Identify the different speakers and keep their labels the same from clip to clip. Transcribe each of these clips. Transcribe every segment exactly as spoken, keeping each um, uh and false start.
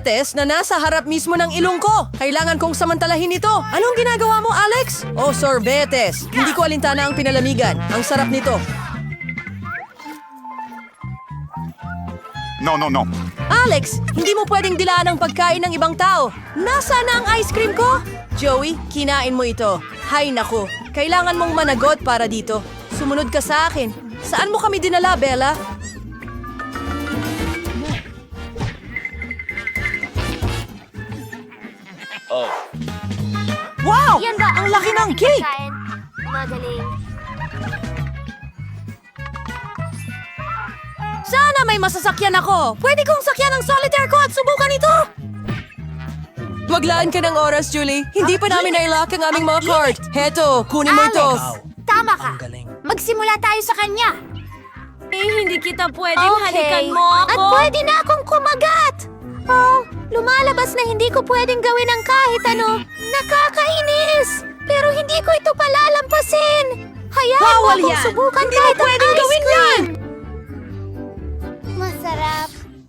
Speaker 1: sorbetes na nasa harap mismo ng ilong ko. Kailangan kong samantalahin ito. Anong ginagawa mo, Alex? Oh, sorbetes. Hindi ko alintana ang pinalamigan. Ang sarap nito.
Speaker 2: No, no, no.
Speaker 1: Alex, hindi mo pwedeng dilaan ang pagkain ng ibang tao. Nasaan na ang ice cream ko? Joey, kinain mo ito. Hay naku, kailangan mong managot para dito. Sumunod ka sa akin. Saan mo kami dinala, Bella? Wow!
Speaker 3: Yan ba
Speaker 1: Ang laki ng cake!
Speaker 3: pagkain? Magaling.
Speaker 1: Sana may masasakyan ako. Pwede kong sakyan ang solitaire ko at subukan ito. Maglaan ka ng oras, Julie. Hindi pa namin nailock ang aming mga card. Heto, kunin mo ito.
Speaker 3: Alex, tama ka. Magsimula tayo sa kanya.
Speaker 4: Eh, hindi kita pwedeng halikan mo ako.
Speaker 3: At pwede na akong kumagat. Oh, lumalabas na hindi ko pwedeng gawin ang kahit ano. Nakakainis. Pero hindi ko ito palalampasin. Hayaan mo
Speaker 1: Bawal
Speaker 3: akong
Speaker 1: yan.
Speaker 3: subukan
Speaker 1: Hindi mo
Speaker 3: kahit ang
Speaker 1: pwedeng
Speaker 3: ice
Speaker 1: gawin
Speaker 3: cream.
Speaker 1: yan.
Speaker 3: Masarap.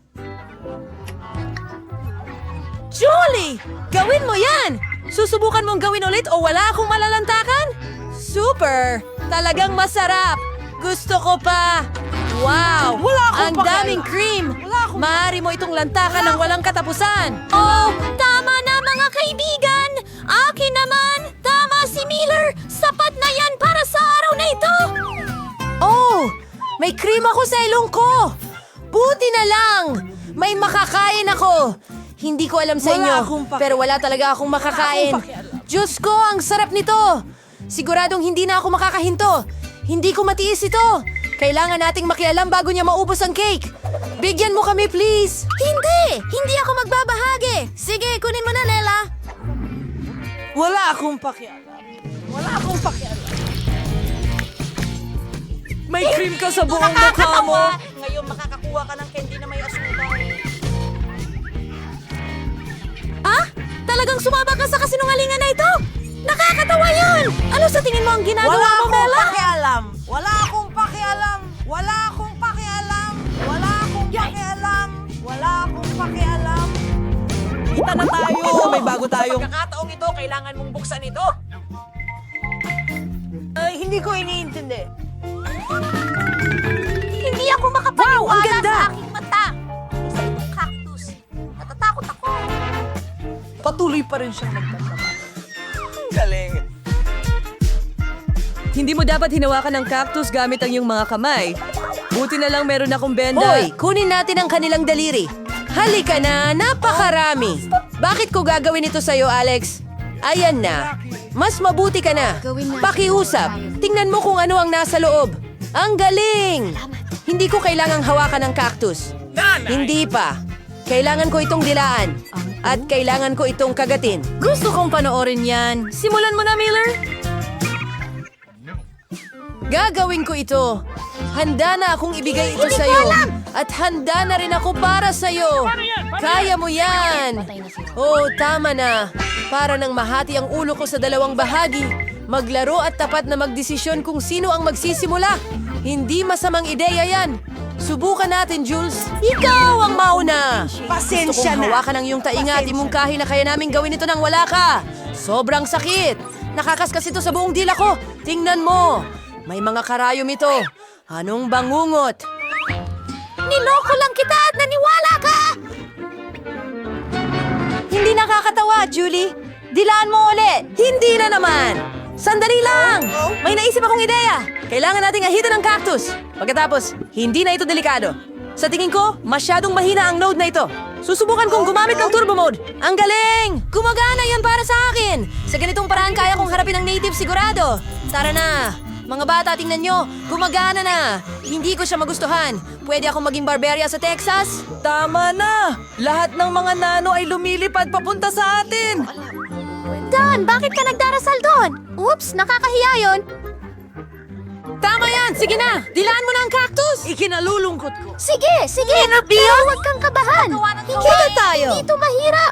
Speaker 1: Julie! Gawin mo yan! Susubukan mong gawin ulit o wala akong malalantakan? Super! Talagang masarap! Gusto ko pa! Wow!
Speaker 5: Wala akong
Speaker 1: Ang
Speaker 5: pakialam.
Speaker 1: daming cream!
Speaker 5: Wala akong-
Speaker 1: Maaari mo itong lantakan ng walang katapusan!
Speaker 3: Oh, tama na mga kaibigan! Akin naman! Tama si Miller! Sapat na yan para sa araw na ito!
Speaker 1: Oh! May cream ako sa ilong ko! Buti na lang! May makakain ako! Hindi ko alam sa
Speaker 5: Wala
Speaker 1: inyo,
Speaker 5: akong paki-
Speaker 1: pero wala talaga akong makakain.
Speaker 5: Wala akong pakialam.
Speaker 1: Diyos ko, ang sarap nito! Siguradong hindi na ako makakahinto. Hindi ko matiis ito. Kailangan nating makialam bago niya maubos ang cake. Bigyan mo kami, please! Hindi! Hindi ako magbabahagi! Sige, kunin mo na, Lela!
Speaker 5: Wala akong pakialam. Wala akong pakialam. May cream ka sa buong mukha mo. Ngayon makakakuha ka ng candy na may asukal.
Speaker 1: Ah? Talagang sumama ka sa kasinungalingan na ito? Nakakatawa yun! Ano sa tingin mo ang ginagawa
Speaker 5: Wala
Speaker 1: mo,
Speaker 5: akong
Speaker 1: Bella?
Speaker 5: pakialam. Wala akong pakialam. Wala akong pakialam. Wala akong pakialam. Wala akong pakialam. Kita na tayo. May bago tayong... Sa pagkakataong ito, kailangan mong buksan ito. Ay, hindi ko iniintindi.
Speaker 3: Hindi ako makapaniwala
Speaker 5: Wow, ang ganda!
Speaker 3: sa aking mata. Isa itong cactus. Natatakot ako.
Speaker 5: Patuloy pa rin siyang nagtatrabaho. Ang galing.
Speaker 1: Hindi mo dapat hinawakan ng cactus gamit ang iyong mga kamay. Buti na lang meron akong benda. Hoy, kunin natin ang kanilang daliri. Halika na, napakarami. Bakit ko gagawin ito sa'yo, Alex? Ayan na. Mas mabuti ka na. Pakiusap. Tingnan mo kung ano ang nasa loob. Ang galing! Hindi ko kailangang hawakan ng cactus. Hindi pa. Kailangan ko itong dilaan. At kailangan ko itong kagatin. Gusto kong panoorin yan. Simulan mo na, Miller. Gagawin ko ito. Handa na akong ibigay ito sa'yo. At handa na rin ako para sa'yo. Kaya mo yan. Oh, tama na. Para nang mahati ang ulo ko sa dalawang bahagi, maglaro at tapat na magdesisyon kung sino ang magsisimula. Hindi masamang ideya yan. Subukan natin, Jules. Ikaw ang mauna.
Speaker 5: Pasensya
Speaker 1: Gusto kong
Speaker 5: na.
Speaker 1: hawakan ang iyong tainga at imungkahi na kaya namin gawin ito nang wala ka. Sobrang sakit. Nakakaskas ito sa buong dila ko. Tingnan mo. May mga karayom ito. Anong bangungot?
Speaker 3: Niloko lang kita at naniwala ka!
Speaker 1: Hindi nakakatawa, Julie. Dilaan mo ulit. Hindi na naman. Sandali lang. May naisip akong ideya. Kailangan nating ahitan ng cactus. Pagkatapos, hindi na ito delikado. Sa tingin ko, masyadong mahina ang node na ito. Susubukan kong gumamit ng turbo mode. Ang galing! Gumagana yan para sa akin. Sa ganitong paraan kaya kong harapin ang native sigurado. Tara na. Mga bata, tingnan nyo. Gumagana na. Hindi ko siya magustuhan. Pwede akong maging barberia sa Texas?
Speaker 5: Tama na. Lahat ng mga nano ay lumilipad papunta sa atin.
Speaker 3: Don, bakit ka nagdarasal doon? Oops, nakakahiya yun.
Speaker 1: Tama yan! Sige na! Dilaan mo na ang cactus!
Speaker 5: Ikinalulungkot ko.
Speaker 3: Sige, sige. Pero huwag kang kabahan. Hindi,
Speaker 1: Kita tayo.
Speaker 3: hindi ito mahirap.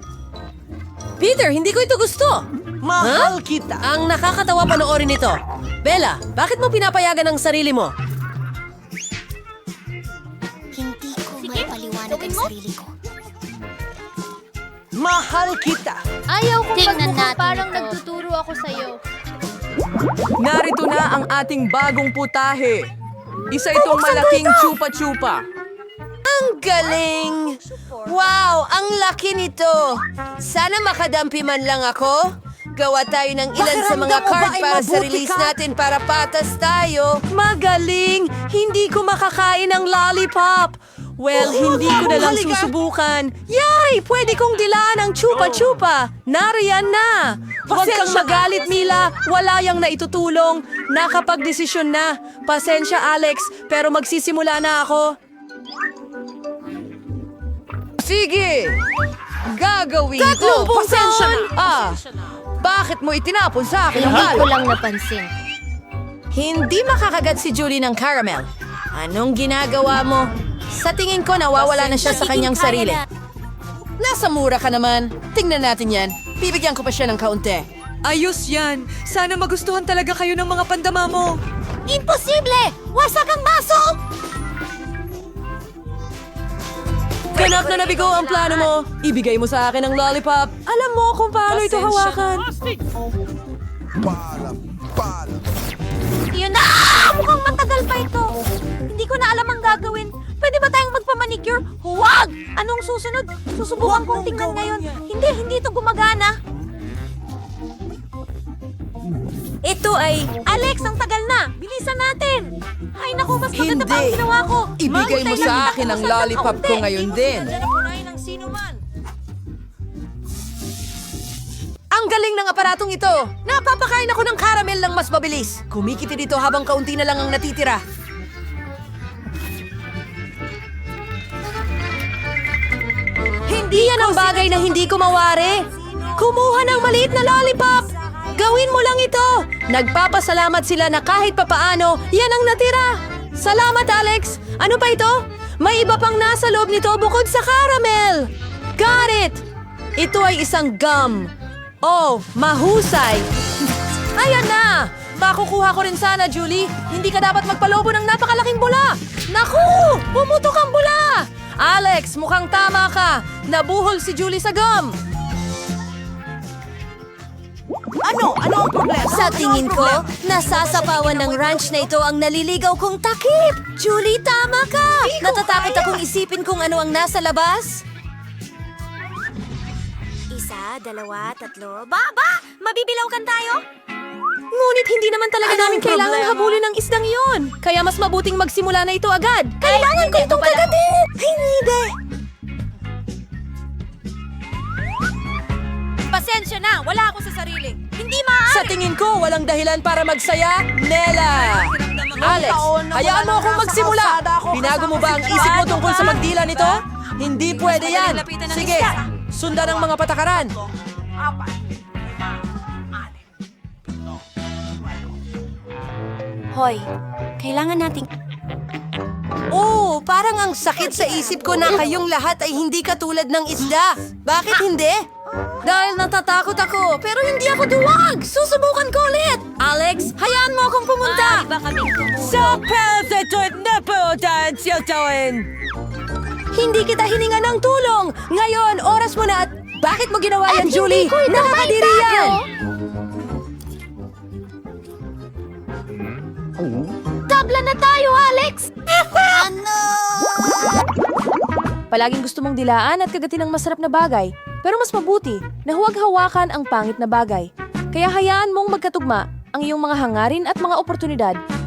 Speaker 1: Peter, hindi ko ito gusto.
Speaker 5: Mahal kita.
Speaker 1: Ang nakakatawa panoorin ito. Bella, bakit mo pinapayagan ang sarili mo?
Speaker 3: Hindi ko maipaliwanag ang sarili ko.
Speaker 5: Mahal kita.
Speaker 3: Ayaw kong
Speaker 4: Tingnan
Speaker 3: magmukhang
Speaker 4: natin
Speaker 3: parang
Speaker 4: ito.
Speaker 3: nagtuturo ako sa'yo.
Speaker 1: Narito na ang ating bagong putahe. Isa itong malaking chupa-chupa. Ang galing! Wow, ang laki nito! Sana makadampi man lang ako. Gawa tayo ng ilan sa mga
Speaker 5: Pakiramdam mo ba
Speaker 1: card
Speaker 5: ay
Speaker 1: para sa
Speaker 5: mabuti
Speaker 1: release
Speaker 5: ka?
Speaker 1: natin para patas tayo. Magaling! Hindi ko makakain ng lollipop. Well, hindi ko na lang
Speaker 5: halika.
Speaker 1: susubukan. Yay! Pwede kong dilaan ang chupa-chupa. Nariyan na! Huwag kang
Speaker 5: Pasensya.
Speaker 1: magalit, Mila. Wala yang naitutulong. Nakapagdesisyon na. Pasensya, Alex, pero magsisimula na ako. Sige! Gagawin
Speaker 5: Tatlong
Speaker 1: ko!
Speaker 5: pasensya na.
Speaker 1: Ah, bakit mo itinapon sa akin ang
Speaker 3: Hindi ko
Speaker 1: balo?
Speaker 3: lang napansin.
Speaker 1: Hindi makakagat si Julie ng caramel. Anong ginagawa mo? Sa tingin ko, nawawala na siya sa kanyang sarili. Nasa mura ka naman. Tingnan natin yan. Bibigyan ko pa siya ng kaunti. Ayos yan. Sana magustuhan talaga kayo ng mga pandama mo.
Speaker 3: Imposible! Wasak ang baso!
Speaker 1: Ganap na nabigo ang plano mo. Ibigay mo sa akin ang lollipop. Alam mo kung paano ito hawakan.
Speaker 3: Yun na! Ah! Mukhang matagal pa ito. Hindi ko na alam ang gagawin. Pwede ba tayong magpamanicure? Huwag! Anong susunod? Susubukan kong tingnan ngayon. Hindi, hindi ito gumagana. Ito ay... Alex, ang tagal na! Bilisan natin! Ay naku, mas maganda pa ang
Speaker 1: Hindi.
Speaker 3: ginawa ko.
Speaker 1: Ibigay mo
Speaker 3: Mahintay
Speaker 1: sa
Speaker 3: lang kita
Speaker 1: akin ang
Speaker 3: kung saan
Speaker 1: lollipop
Speaker 3: kaunti.
Speaker 1: ko ngayon din.
Speaker 5: ng sino man.
Speaker 1: Ang galing ng aparatong ito! Napapakain ako ng caramel ng mas mabilis. Kumikiti dito habang kaunti na lang ang natitira. Hindi yan ang bagay na hindi ko mawari. Kumuha ng maliit na lollipop. Gawin mo lang ito. Nagpapasalamat sila na kahit papaano, yan ang natira. Salamat, Alex. Ano pa ito? May iba pang nasa loob nito bukod sa caramel. Got it! Ito ay isang gum. Oh, mahusay. Ayan na! Makukuha ko rin sana, Julie. Hindi ka dapat magpalobo ng napakalaking bula. Naku! Pumutok ang bula! Alex, mukhang tama ka. Nabuhol si Julie sa gum.
Speaker 5: Ano? Ano ang problema?
Speaker 3: Sa
Speaker 5: Ano ang
Speaker 3: tingin ko,
Speaker 5: problema?
Speaker 3: nasasapawan ng ranch na ito ang naliligaw kong takip. Julie, tama ka! Natatakot akong isipin kung ano ang nasa labas. Isa, dalawa, tatlo. Baba! Mabibilawkan tayo?
Speaker 1: Ngunit hindi naman talaga
Speaker 5: Anong
Speaker 1: namin kailangang
Speaker 5: problema?
Speaker 1: habulin ng isdang yon. Kaya mas mabuting magsimula na ito agad. Kailangan ko itong kagatin! Hindi!
Speaker 3: Pasensya na, wala ako sa sarili. Hindi maaari.
Speaker 1: Sa tingin ko, walang dahilan para magsaya, Nela! Alex,
Speaker 5: taon na
Speaker 1: hayaan
Speaker 5: wala
Speaker 1: mo akong
Speaker 5: na nasa
Speaker 1: magsimula.
Speaker 5: kalsada ako
Speaker 1: Binago mo
Speaker 5: kasama
Speaker 1: ba ang
Speaker 5: si
Speaker 1: isip mo
Speaker 5: Joanne,
Speaker 1: tungkol sa
Speaker 5: ba?
Speaker 1: magdila nito? Hindi pwede yan. Sige, sundan ang mga patakaran.
Speaker 3: Hoy, kailangan nating...
Speaker 1: Oh, parang ang sakit sa isip ko na kayong lahat ay hindi katulad ng isda. Bakit hindi? Dahil natatakot ako, pero hindi ako duwag. Susubukan ko ulit. Alex, hayaan mo akong pumunta.
Speaker 3: Iba kami.
Speaker 1: Sa perfect na po siya tawin. Hindi kita hininga ng tulong. Ngayon, oras mo na at bakit mo ginawa yan, Julie? Nakakadiri yan.
Speaker 3: Tabla na tayo, Alex! ano?
Speaker 1: Palaging gusto mong dilaan at kagatin ng masarap na bagay. Pero mas mabuti na huwag hawakan ang pangit na bagay. Kaya hayaan mong magkatugma ang iyong mga hangarin at mga oportunidad